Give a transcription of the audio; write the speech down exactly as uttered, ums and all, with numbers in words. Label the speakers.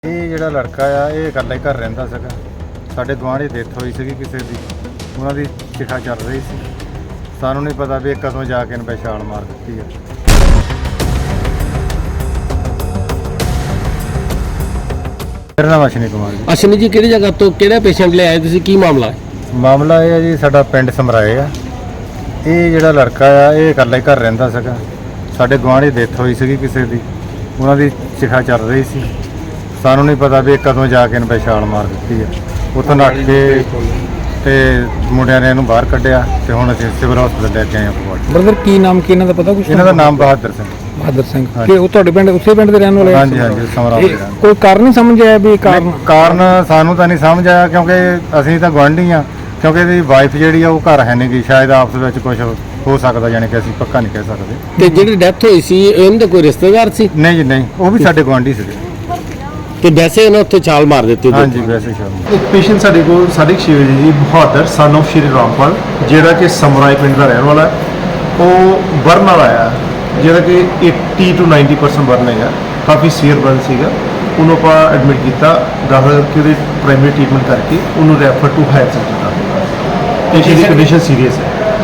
Speaker 1: ਇਹ ਜਿਹੜਾ ਲੜਕਾ ਆ ਇਹ ਇਕੱਲਾ ਹੀ ਘਰ ਰਹਿੰਦਾ ਸੀਗਾ। ਸਾਡੇ ਗੁਆਂਢ 'ਚ ਡੈਥ ਹੋਈ ਸੀਗੀ ਕਿਸੇ ਦੀ, ਉਹਨਾਂ ਦੀ ਚਿਖਾ ਚੱਲ ਰਹੀ ਸੀ। ਸਾਨੂੰ ਨਹੀਂ ਪਤਾ ਵੀ ਇਹ ਕਦੋਂ ਜਾ ਕੇ ਇਹਨੇ ਛਾਲ ਮਾਰ ਦਿੱਤੀ ਆ। ਮੇਰਾ ਨਾਮ ਅਸ਼ਨੀ ਕੁਮਾਰ ਜੀ।
Speaker 2: ਅਸ਼ਨੀ ਜੀ, ਕਿਹੜੀ ਜਗ੍ਹਾ ਤੋਂ ਕਿਹੜਾ ਪੇਸ਼ੈਂਟ ਲੈ ਆਏ ਤੁਸੀਂ, ਕੀ ਮਾਮਲਾ ਹੈ?
Speaker 1: ਮਾਮਲਾ ਇਹ ਹੈ ਜੀ, ਸਾਡਾ ਪਿੰਡ ਸਮਰਾਏ ਆ। ਇਹ ਜਿਹੜਾ ਲੜਕਾ ਆ ਇਹ ਇਕੱਲਾ ਹੀ ਘਰ ਰਹਿੰਦਾ ਸੀਗਾ। ਸਾਡੇ ਗੁਆਂਢ 'ਚ ਡੈਥ ਹੋਈ ਸੀਗੀ ਕਿਸੇ ਦੀ, ਉਹਨਾਂ ਦੀ ਚਿਖਾ ਚੱਲ ਰਹੀ ਸੀ। ਸਾਨੂੰ ਨਹੀਂ ਪਤਾ ਵੀ ਇਹ ਕਦੋਂ ਜਾ ਕੇ ਇਹਨੇ ਛਾਲ ਮਾਰ ਦਿੱਤੀ ਆ। ਉੱਥੋਂ ਨੱਠ ਕੇ ਤੇ ਮੁੰਡਿਆਂ ਨੇ ਇਹਨੂੰ ਬਾਹਰ ਕੱਢਿਆ ਤੇ ਹੁਣ ਅਸੀਂ ਸਿਵਲ ਹਸਪਤਾਲ ਲੈ ਕੇ ਆਏ ਹਾਂ ਫਗਵਾੜਾ।
Speaker 3: ਬ੍ਰਦਰ, ਕੀ ਨਾਮ ਕੀ ਇਹਨਾਂ ਦਾ ਪਤਾ ਕੁਛ?
Speaker 1: ਇਹਨਾਂ ਦਾ ਨਾਮ ਬਹਾਦਰ ਸਿੰਘ।
Speaker 3: ਬਹਾਦਰ ਸਿੰਘ। ਕਿ ਉਹ ਤੁਹਾਡੇ ਪਿੰਡ ਉਸੇ ਪਿੰਡ ਦੇ ਰਹਿਣ ਵਾਲੇ?
Speaker 1: ਹਾਂਜੀ ਹਾਂਜੀ, ਸਮਰਾਏ ਦੇ।
Speaker 3: ਕੋਈ ਕਾਰਨ ਨਹੀਂ ਸਮਝ ਆਇਆ ਵੀ ਕਾਰਨ?
Speaker 1: ਕਾਰਨ ਸਾਨੂੰ ਤਾਂ ਨਹੀਂ ਸਮਝ ਆਇਆ, ਕਿਉਂਕਿ ਅਸੀਂ ਤਾਂ ਗੁਆਂਢੀ ਆ। ਕਿਉਂਕਿ ਇਹਦੀ ਵਾਈਫ ਜਿਹੜੀ ਆ ਉਹ ਘਰ ਹੈ ਨਹੀਂ ਗੀ, ਸ਼ਾਇਦ ਆਪਸ ਵਿੱਚ ਕੁਝ ਹੋ ਸਕਦਾ, ਯਾਨੀ ਕਿ ਅਸੀਂ ਪੱਕਾ ਨਹੀਂ ਕਹਿ ਸਕਦੇ।
Speaker 2: ਤੇ ਜਿਹੜੀ ਡੈਥ ਹੋਈ ਸੀ ਇਹਨਾਂ ਦੇ ਕੋਈ ਰਿਸ਼ਤੇਦਾਰ ਸੀ?
Speaker 1: ਨਹੀਂ ਜੀ ਨਹੀਂ, ਉਹ ਵੀ ਸਾਡੇ ਗੁਆਂਢੀ ਸੀਗੇ।
Speaker 2: ਤੇ ਵੈਸੇ ਇਹਨਾਂ ਉੱਥੇ ਛਾਲ ਮਾਰ ਦਿੱਤੀ?
Speaker 1: ਹਾਂਜੀ, ਵੈਸੇ ਸ਼ਾਮ
Speaker 4: ਇੱਕ ਪੇਸ਼ੈਂਟ ਸਾਡੇ ਕੋਲ ਸਾਢੇ ਛੇ ਵਜੇ ਜੀ, ਬਹਾਦਰ ਸਨ ਆਫ ਸ਼੍ਰੀ ਰਾਮਪਾਲ, ਜਿਹੜਾ ਕਿ ਸਮਰਾਏ ਪਿੰਡ ਦਾ ਰਹਿਣ ਵਾਲਾ ਹੈ। ਉਹ ਬਰਨ ਵਾਲਾ ਆਇਆ, ਜਿਹੜਾ ਕਿ ਅੱਸੀ ਤੋਂ ਨੱਬੇ ਪਰਸੈਂਟ ਬਰਨ ਹੈਗਾ, ਕਾਫੀ ਸੀਵੀਅਰ ਬਰਨ ਸੀਗਾ। ਉਹਨੂੰ ਆਪਾਂ ਐਡਮਿਟ ਕੀਤਾ, ਦਾਖਲ ਕਰਕੇ ਉਹਦੀ ਪ੍ਰਾਇਮਰੀ ਟ੍ਰੀਟਮੈਂਟ ਕਰਕੇ ਉਹਨੂੰ ਰੈਫਰ ਟੂ ਹਾਇਰ ਸੈਂਟਰ ਕਰ ਦਿੱਤਾ। ਪੇਸ਼ੈਂਟ ਦੀ ਕੰਡੀਸ਼ਨ ਸੀਰੀਅਸ ਹੈ।